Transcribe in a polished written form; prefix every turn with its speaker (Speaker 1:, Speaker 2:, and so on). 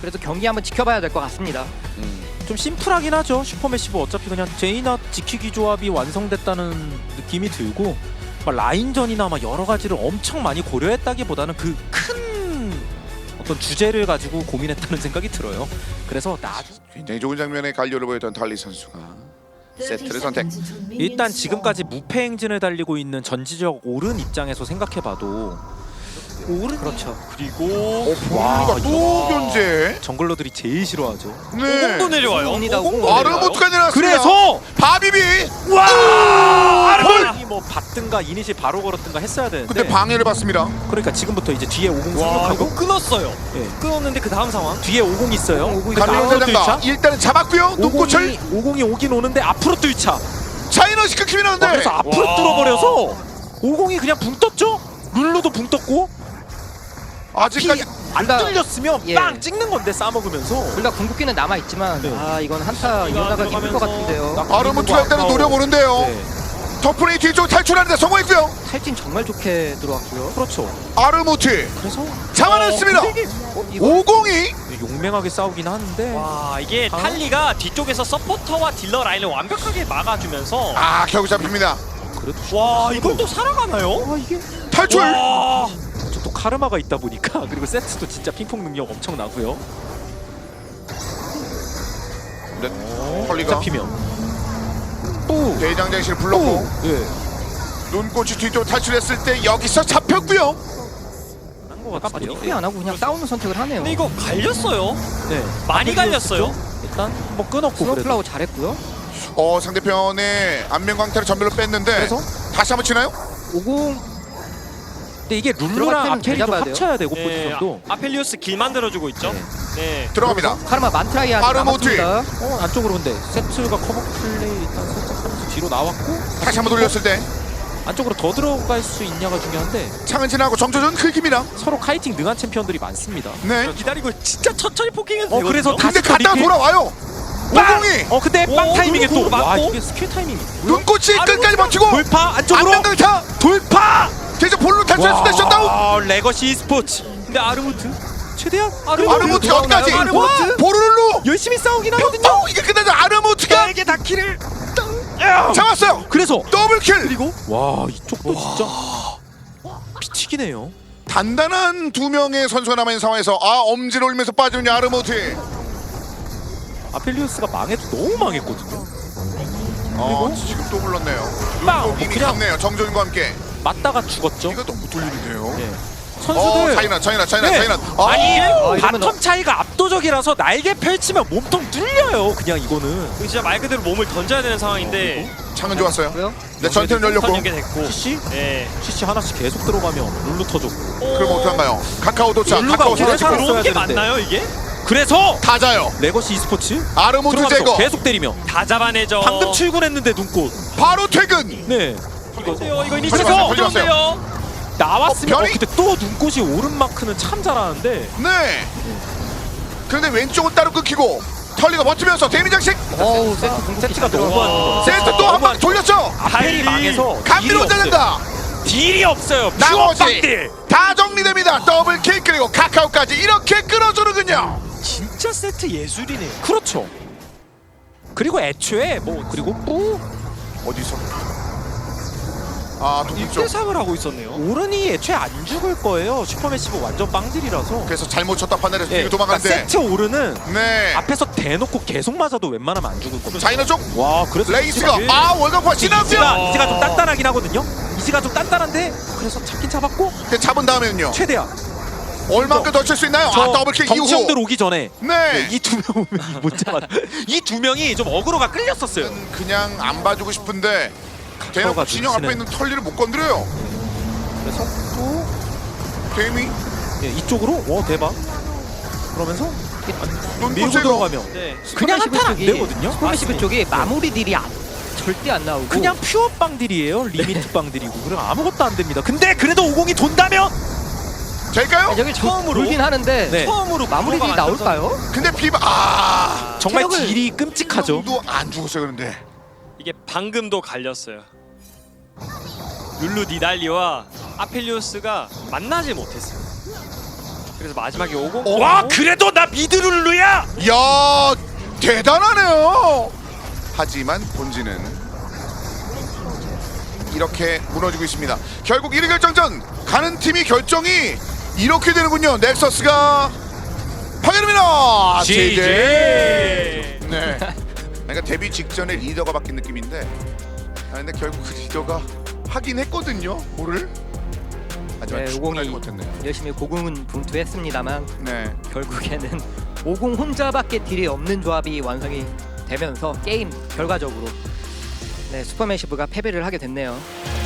Speaker 1: 그래서 경기 한번 지켜봐야 될 것 같습니다.
Speaker 2: 좀 심플하긴 하죠. 슈퍼매시브 어차피 그냥 제이나 지키기 조합이 완성됐다는 느낌이 들고 막 라인전이나 막 여러 가지를 엄청 많이 고려했다기보다는 그 큰 어떤 주제를 가지고 고민했다는 생각이 들어요. 그래서
Speaker 3: 굉장히 좋은 장면에 관료를 보였던 달리 선수가 세트를 선택.
Speaker 2: 일단 지금까지 무패 행진을 달리고 있는 전지적 오른 입장에서 생각해봐도 오른
Speaker 1: 그렇죠.
Speaker 4: 그리고
Speaker 3: 와, 또 견제.
Speaker 2: 정글러들이 제일 싫어하죠.
Speaker 3: 네.
Speaker 4: 오공도 내려와요.
Speaker 1: 옵니다.
Speaker 4: 오공도
Speaker 3: 아르모트가 내려왔습니다.
Speaker 2: 그래서
Speaker 3: 바비비.
Speaker 2: 아르몬 뭐 받든가 이니시 바로 걸었든가 했어야 되는데
Speaker 3: 근데 방해를 받습니다.
Speaker 2: 그러니까 지금부터 이제 뒤에 50
Speaker 4: 와
Speaker 2: 생각하고
Speaker 4: 이거 끊었어요.
Speaker 2: 예.
Speaker 4: 끊었는데 그 다음 상황.
Speaker 2: 뒤에 50 있어요.
Speaker 1: 50이
Speaker 2: 그러니까
Speaker 3: 갈리오
Speaker 2: 앞으로
Speaker 3: 대장가
Speaker 2: 뚫자.
Speaker 3: 일단은 잡았고요. 눈꽃을
Speaker 2: 50이 오긴 오는데 앞으로 뚫자.
Speaker 3: 차이너시 끊기나는데
Speaker 2: 그래서 앞으로
Speaker 4: 와.
Speaker 2: 뚫어버려서 50이 그냥 붕 떴죠. 룰루도 붕 떴고
Speaker 3: 아직까지
Speaker 2: 안
Speaker 1: 둘 다-
Speaker 2: 뚫렸으면
Speaker 1: 예.
Speaker 2: 빵 찍는 건데 싸먹으면서
Speaker 1: 둘 다 궁극기는 남아 있지만
Speaker 2: 네.
Speaker 1: 아 이건 한타 이어나가기 힘들 것 같은데요.
Speaker 3: 아르모트가 일단은 노려보는데요.
Speaker 2: 네.
Speaker 3: 터프레이 뒤쪽 탈출하는데 성공했고요.
Speaker 1: 탈진 정말 좋게 들어왔고요.
Speaker 2: 그렇죠.
Speaker 3: 아르모트
Speaker 2: 그래서
Speaker 3: 잡아냈습니다.
Speaker 1: 이거
Speaker 3: 502
Speaker 2: 용맹하게 싸우긴 하는데
Speaker 4: 와 이게
Speaker 2: 아.
Speaker 4: 탈리가 뒤쪽에서 서포터와 딜러 라인을 완벽하게 막아주면서
Speaker 3: 아 결국 잡힙니다.
Speaker 2: 그래도
Speaker 4: 와 이걸 또 살아가나요?
Speaker 2: 아 이게
Speaker 3: 탈출.
Speaker 4: 와
Speaker 2: 또 카르마가 있다 보니까 그리고 세트도 진짜 핑퐁 능력 엄청 나고요.
Speaker 3: 네. 털리가
Speaker 2: 잡히면 또
Speaker 3: 대장장실을 불렀고
Speaker 2: 예.
Speaker 3: 눈꽃이 뒤쪽으로 탈출했을 때 여기서 잡혔고요.
Speaker 2: 한것 같아요.
Speaker 1: 후회 안 하고 그냥 싸우는 선택을 하네요.
Speaker 4: 근데 이거 갈렸어요.
Speaker 2: 네.
Speaker 4: 많이 갈렸어요.
Speaker 2: 일단 뭐 끊었고 그래도
Speaker 1: 스노플라워 잘했고요.
Speaker 3: 상대편의 안면광태를 전멸로 뺐는데
Speaker 2: 그래서
Speaker 3: 다시 한번 치나요?
Speaker 1: 50
Speaker 2: 근데 이게
Speaker 1: 들어갈
Speaker 2: 룰루랑
Speaker 1: 때는
Speaker 2: 아펠이 좀
Speaker 1: 잡아야 돼요.
Speaker 2: 합쳐야 되고
Speaker 4: 네,
Speaker 2: 포지션도
Speaker 4: 아펠리우스 길 만들어주고 있죠.
Speaker 2: 네.
Speaker 4: 네.
Speaker 3: 들어갑니다.
Speaker 1: 카르마 만트라이한테
Speaker 3: 아르모티.
Speaker 1: 남았습니다.
Speaker 2: 안쪽으로 근데 세트가 커버 플레이 일단 살짝 하면서 뒤로 나왔고
Speaker 3: 다시 한번 돌렸을 때
Speaker 2: 안쪽으로 더 들어갈 수 있냐가 중요한데
Speaker 3: 창은 지나고 정조준 긁힙니다.
Speaker 2: 서로 카이팅 능한 챔피언들이 많습니다.
Speaker 3: 네.
Speaker 4: 기다리고 진짜 천천히 포킹해도 되거든요.
Speaker 2: 그래서
Speaker 3: 근데
Speaker 2: 다시
Speaker 3: 갔다가
Speaker 2: 리필.
Speaker 3: 돌아와요. 502
Speaker 2: 근데 빵
Speaker 4: 오,
Speaker 2: 타이밍에
Speaker 4: 그리고
Speaker 2: 또 와
Speaker 4: 맞고.
Speaker 2: 이게 스킬 타이밍이
Speaker 3: 눈꽃이 끝까지 버티고
Speaker 2: 돌파 안쪽으로
Speaker 3: 안면강타
Speaker 2: 돌파
Speaker 3: 계속 볼로 탈출했을 때 셧다운.
Speaker 2: 레거시 e스포츠
Speaker 4: 근데 아르무트
Speaker 2: 최대한
Speaker 3: 아르모트 어디까지?
Speaker 2: 아르모트
Speaker 3: 보르르로
Speaker 2: 열심히 싸우긴 하거든요.
Speaker 3: 뿅 이게 끝나자 아르모트가
Speaker 4: 이게 다 킬을
Speaker 3: 잡았어요.
Speaker 2: 그래서
Speaker 3: 더블킬.
Speaker 2: 그리고 와 이쪽도 진짜 미치기네요.
Speaker 3: 단단한 두 명의 선수가 남아있는 상황에서 엄지를 올리면서 빠지는 아르모트.
Speaker 2: 아펠리우스가 망해도 너무 망했거든요.
Speaker 3: 지금 또 불렀네요.
Speaker 2: 빵!
Speaker 3: 이미
Speaker 2: 그냥
Speaker 3: 갔네요. 정조준과 함께.
Speaker 2: 맞다가 죽었죠.
Speaker 3: 이거 너무 돌리는데요.
Speaker 2: 예. 선수들
Speaker 3: 차이나.
Speaker 2: 네.
Speaker 3: 아니
Speaker 2: 아니
Speaker 1: 이러면
Speaker 2: 바텀 차이가 압도적이라서 날개 펼치면 몸통 뚫려요. 그냥 이거는.
Speaker 4: 진짜 말 그대로 몸을 던져야 되는 상황인데
Speaker 3: 창은 좋았어요.
Speaker 1: 그래요?
Speaker 3: 네, 전투는 열렸고.
Speaker 4: 선 연계됐고
Speaker 2: CC
Speaker 4: 네.
Speaker 2: CC 하나씩 계속 들어가면 룰루 터졌고.
Speaker 3: 그럼 어떡한가요? 카카오 도착.
Speaker 2: 룰루가
Speaker 3: 카카오
Speaker 2: 오래
Speaker 3: 도착.
Speaker 2: 살았어야
Speaker 4: 들어온 게
Speaker 2: 되는데.
Speaker 4: 맞나요 이게?
Speaker 2: 그래서
Speaker 3: 다자요.
Speaker 2: 레거시 e스포츠
Speaker 3: 아르모트
Speaker 2: 들어가면서
Speaker 3: 제거.
Speaker 2: 계속 때리며
Speaker 4: 다 잡아내죠.
Speaker 2: 방금 출근했는데 눈꽃.
Speaker 3: 바로 퇴근.
Speaker 2: 네.
Speaker 4: 이거 이니시
Speaker 3: 걸려봤어요,
Speaker 4: 좀 좋은데요.
Speaker 2: 나왔으면
Speaker 3: 변이?
Speaker 2: 근데 또 눈꽃이 오른 마크는 참 잘하는데
Speaker 3: 네. 그런데 왼쪽은 따로 끊기고 털리가 버티면서 데미 장식.
Speaker 1: 어우 세트 궁극기
Speaker 2: 세트가
Speaker 1: 잘
Speaker 2: 너무
Speaker 1: 들어갔어요.
Speaker 2: 안
Speaker 3: 세트 또 한 방 돌렸죠.
Speaker 2: 아펠이 망해서
Speaker 3: 감미로 짜낸다.
Speaker 2: 딜이 없어요. 퓨어
Speaker 3: 나머지
Speaker 2: 빵딜.
Speaker 3: 다 정리됩니다. 더블킬 그리고 카카오까지 이렇게 끌어주는군요.
Speaker 4: 진짜 세트 예술이네요.
Speaker 2: 그렇죠. 그리고 애초에 뭐 그리고 또
Speaker 3: 어디서? 동쪽.
Speaker 4: 1대3을 하고 있었네요.
Speaker 2: 오른이 애초에 안 죽을 거예요. 슈퍼매시브 완전 빵딜이라서.
Speaker 3: 그래서 잘못 쳤다 판단해서
Speaker 2: 예,
Speaker 3: 뒤로 도망가는데.
Speaker 2: 그러니까 세트 오른은
Speaker 3: 네.
Speaker 2: 앞에서 대놓고 계속 맞아도 웬만하면 안 죽을 겁니다.
Speaker 3: 자이너 쪽
Speaker 2: 와 그래서
Speaker 3: 레이스가
Speaker 2: 예.
Speaker 3: 월급화 지났어요.
Speaker 2: 이지가 좀 단단하긴 하거든요. 이지가 좀 단단한데 그래서 잡긴 잡았고
Speaker 3: 근데 잡은 다음에는요.
Speaker 2: 최대한
Speaker 3: 얼마큼 더 칠 수 있나요? 더블킬 이후.
Speaker 2: 정치형들 오기 전에
Speaker 3: 네.
Speaker 2: 이 두 명이 못 잡았. 이 두 명이 좀 어그로가 끌렸었어요.
Speaker 3: 그냥 안 봐주고 싶은데 대놓고
Speaker 2: 카카오가
Speaker 3: 진영 앞에
Speaker 2: 눈치는-
Speaker 3: 있는 털리를 못 건드려요.
Speaker 2: 그래서 또
Speaker 3: 데미
Speaker 2: 예, 이쪽으로 와 대박. 그러면서 밀고
Speaker 3: 눈꽃
Speaker 2: 들어가면
Speaker 4: 네.
Speaker 2: 그냥
Speaker 1: 스포메시브
Speaker 2: 한탄 안
Speaker 1: 쪽이-
Speaker 2: 되거든요.
Speaker 1: 스포메시브 쪽이 마무리 딜이 절대 안 나오고
Speaker 2: 그냥 퓨어 빵딜이에요. 리미트 빵딜이고 그럼 아무것도 안 됩니다. 근데 그래도 50이 돈다면
Speaker 3: 될까요?
Speaker 1: 여기
Speaker 4: 처음으로?
Speaker 1: 돌긴 하는데
Speaker 2: 네.
Speaker 4: 처음으로
Speaker 1: 마무리 딜이
Speaker 4: 구호가 만들어서
Speaker 1: 나올까요?
Speaker 3: 근데 비바
Speaker 2: 정말
Speaker 1: 체력을-
Speaker 2: 딜이 끔찍하죠.
Speaker 3: 도안 죽었어요 그런데.
Speaker 4: 이게 방금도 갈렸어요. 룰루 니달리와 아펠리오스가 만나지 못했어요. 그래서 마지막에 50.
Speaker 2: 와 그래도 나 미드룰루야.
Speaker 3: 이야 대단하네요. 하지만 본진은 이렇게 무너지고 있습니다. 결국 1위 결정전 가는 팀이 결정이 이렇게 되는군요. 넥서스가 파괴됩니다.
Speaker 2: GG.
Speaker 3: 네. 그러니까 데뷔 직전에 리더가 바뀐 느낌인데, 근데 결국 그 리더가 하긴 했거든요. 뭐를? 하지만
Speaker 1: 네,
Speaker 3: 충분하지
Speaker 1: 50이
Speaker 3: 못했네요.
Speaker 1: 열심히 고공은 분투했습니다만
Speaker 3: 네.
Speaker 1: 결국에는 50 혼자밖에 딜이 없는 조합이 완성이 되면서 게임 결과적으로 네, 슈퍼매시브가 패배를 하게 됐네요.